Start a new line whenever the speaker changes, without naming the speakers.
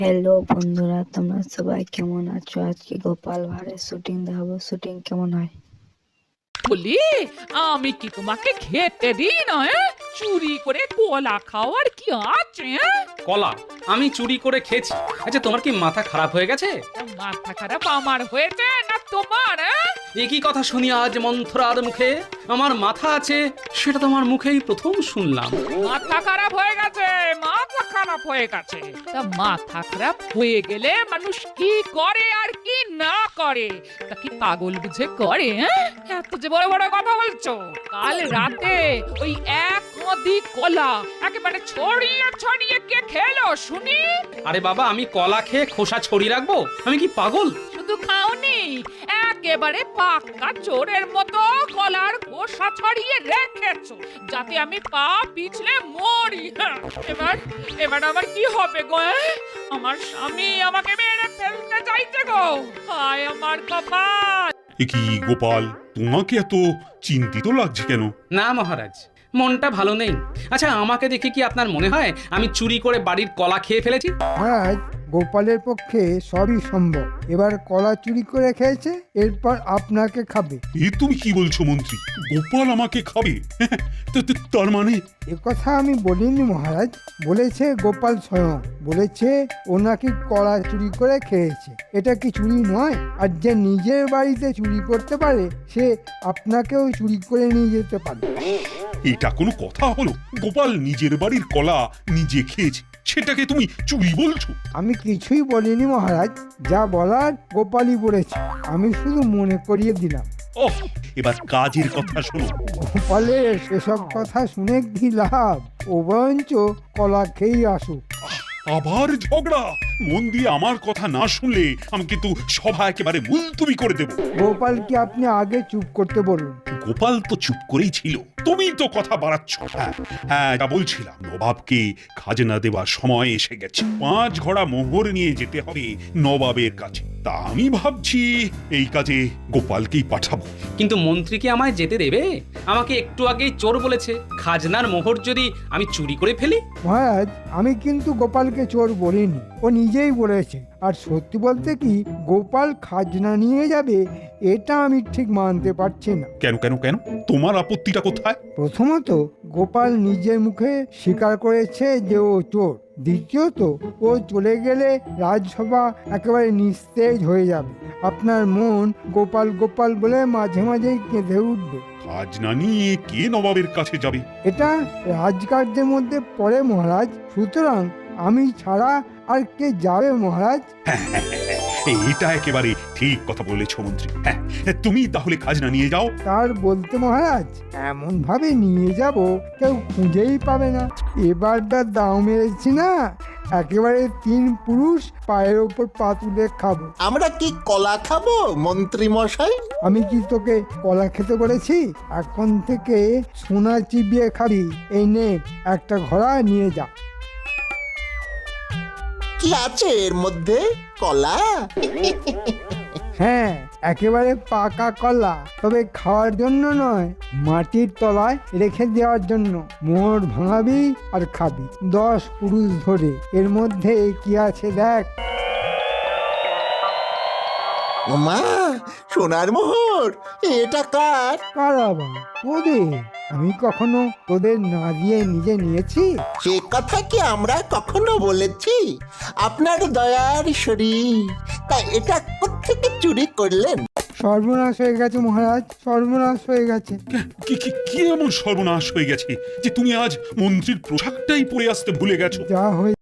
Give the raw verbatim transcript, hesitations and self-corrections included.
Hello বন্ধুরা, তোমরা সবাই কেমন আছো? আজকে গোপাল ভাঁড়ের শুটিং দেখাবো। শুটিং কেমন হয়?
বলি, আমি কি তোমাকে খেতে দিই না? এ? চুরি করে কলা খাওয়ার কি আছে? এ?
কলা আমি চুরি করে খেয়েছি। আচ্ছা, তোমার কি মাথা খারাপ হয়ে গেছে?
তা মাথা খারাপ আমার হয়েছে না তোমার? এ?
একই কথা শুনি আজ মন্থরার মুখে। আমার মাথা আছে সেটা তোমার মুখেই প্রথম শুনলাম।
মাথা খারাপ হয়ে গেছে, মাথা খারাপ হয়ে গেছে। তা মাথা খারাপ হয়ে গেলে মানুষ কি করে আর কি না করে তা কি পাগল বুঝে করে? এ? এত যে বড় বড় কথা বলছো। কাল রাতে ওই এক নদী কলা একেবারে ছড়িয়ে ছড়িয়ে কে খেলো শুনি?
আরে বাবা, আমি কলা খেয়ে খোসা ছড়িয়ে রাখবো? আমি কি পাগল?
শুধু খাওনি, একেবারে পাক্কা চোরের মতো কলার খোসা ছড়িয়ে রেখেছো যাতে আমি পা পিছলে মরি। হ্যাঁ, এবার এবার আমার কি হবে গো? এ? আমার স্বামী আমাকে মেরে ফেলতে চাইছে গো। হায় আমার কপাল।
এ কি গোপাল, তোমাকে এত চিন্তিত লাগছে কেন?
না মহারাজ, মনটা ভালো নেই। আচ্ছা, আমাকে দেখে কি আপনার মনে হয় আমি চুরি করে বাড়ির কলা খেয়ে ফেলেছি?
মহারাজ, গোপালের পক্ষে সবই সম্ভব। এবার কলা চুরি করে খেয়েছে, এরপর আপনাকে খাবে।
এ তুমি কি বলছো মন্ত্রী? গোপাল আমাকে খাবে? তো- তো- তার মানে
এ কথা আমি বলিনি মহারাজ, বলেছে গোপাল স্বয়ং। বলেছে ও নাকি কলা চুরি করে খেয়েছে। এটা কি চুরি নয়? আর যে নিজের বাড়িতে চুরি করতে পারে সে আপনাকেও চুরি করে নিয়ে যেতে পারে।
এটা কোনো কথা হলো? গোপাল নিজের বাড়ির কলা নিজে খেয়েছে, সেটাকে তুমি চুরি বলছো?
আমি কিছুই বলিনি মহারাজ, যা বলার গোপালই বলেছে। আমি শুধু মনে করিয়ে দিলাম।
ওহ, এবার কাজের কথা শোনো।
গোপালের সেসব কথা শুনে কি লাভ? ও বরঞ্চ কলা খেয়েই আসুক।
আবার ঝগড়া? মন দিয়ে আমার কথা না শুনলে আমি কিন্তু সভা একেবারে মুলতুবি করে দেব।
গোপালকে আপনি আগে চুপ করতে বলুন।
গোপাল তো চুপ করেই ছিল, তুমি তো কথা বাড়াচ্ছ। হ্যাঁ হ্যাঁ, যা বলছিলাম, নবাবকে খাজনা দেওয়ার সময় এসে গেছে। পাঁচ ঘোড়া মোহর নিয়ে যেতে হবে নবাবের কাছে। তা আমি ভাবছি এই কাজে গোপালকেই পাঠাবো।
কিন্তু মন্ত্রী কি আমায় যেতে দেবে? আমাকে একটু আগেই চোর বলেছে। খাজনার মোহর যদি আমি চুরি করে ফেলি?
মহারাজ, আমি কিন্তু গোপালকে চোর বলিনি, ও নিজেই বলেছে। আর সত্যি বলতে কি, গোপাল খাজনা নিয়ে যাবে এটা আমি ঠিক মানতে পারছি না।
কেন কেন কেন তোমার আপত্তিটা কোথায়?
প্রথমত, গোপাল নিজের মুখে স্বীকার করেছে যে ও চোর। দ্বিতীয়ত, ও চলে গেলে রাজসভা একেবারে নিস্তেজ হয়ে যাবে। আপনার মন গোপাল গোপাল বলে মাঝে মাঝেই কেঁদে উঠবে।
খাজনা নিয়ে কে নবাবের কাছে যাবে?
এটা রাজকার্যের মধ্যে পড়ে মহারাজ, সুতরাং আমি ছাড়া আর কে যাবে মহারাজ?
এটা একেবারে ঠিক কথা বলেছ মন্ত্রী। হ্যাঁ, তুমি তাহলে খাজনা নিয়ে যাও।
তার বলতে মহারাজ, এমন ভাবে নিয়ে যাব কেউ খুঁজেই পাবে না। এবার যা দাও মেরেছি না, একেবারে তিন পুরুষ পায়ের ওপর পা তুলে খাবো।
আমরা কি কলা খাবো মন্ত্রী মশাই?
আমি কি তোকে কলা খেতে বলেছি? এখন থেকে সোনা চিবিয়ে খাবি। এই নে, একটা ঘোড়া নিয়ে যা।
কি আছে এর মধ্যে? কলা?
হ্যাঁ, একেবারে পাকা কলা, তবে খাওয়ার জন্য নয়, মাটির তলায় রেখে দেওয়ার জন্য। মোহর ভাঙাবি আর খাবি দশ পুরুষ ধরে। এর মধ্যে কি আছে দেখ।
ওমা, সোনার মোহর! এটা কার?
কার আবার? তোদের। আমি কখনো তোদের না দিয়ে নিজে নিয়েছি?
সে কথা কি আমরা কখনো বলেছি? আপনার দয়ার শরীর। তা এটা কোত্থেকে চুরি করলেন?
সর্বনাশ হয়ে গেছে মহারাজ, সর্বনাশ হয়ে গেছে।
কি কি কি এমন সর্বনাশ হয়ে গেছে যে তুমি আজ মন্ত্রীর পোশাকটাই পরে আসতে ভুলে গেছো?
যা হয়ে